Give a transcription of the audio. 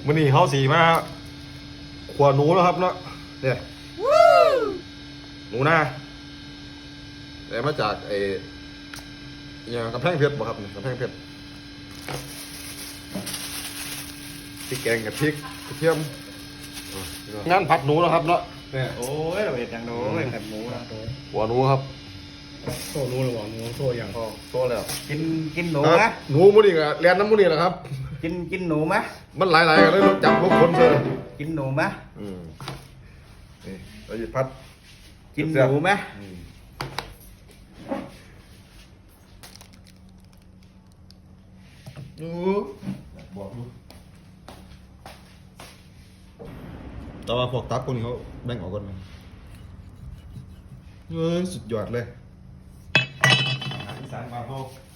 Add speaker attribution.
Speaker 1: มื้อนี้เขาสีมาขวหนูแล้วครับเนาะเนี่ยหนูนาแต่มาจากอย่างกำแพงเพชรบ่ครับกำแพงเพชรพริกแกงกับพริกกระเทียมงานผัดหนูแล้วครับเนาะเนี่ย
Speaker 2: โอ้ยเราเห็นอย่างโน้ยผัดหมูนะ
Speaker 1: หัวหนูครับ
Speaker 3: โซ่นู้นหรือเปล่านู้นโซ่อย่าง
Speaker 1: พอโตแล้ว
Speaker 2: กินหนู
Speaker 1: ค
Speaker 2: ไหม
Speaker 1: รับหนูมื้อนี้ก็เรียนน้ำมื้อนี้แหละครับ
Speaker 2: กินหนูไหม
Speaker 1: มันหลายๆกันเลยต้องจับพวกคนเลย
Speaker 2: กินหนูไหม
Speaker 1: นี่เราหยิบพัด
Speaker 2: กินหนูไหม
Speaker 1: ดูบอกดูแต่ว่าพวกตับพวกนี้เขาแบ่งออกกันสุดยอดเลย
Speaker 2: อีสานบ้านเรา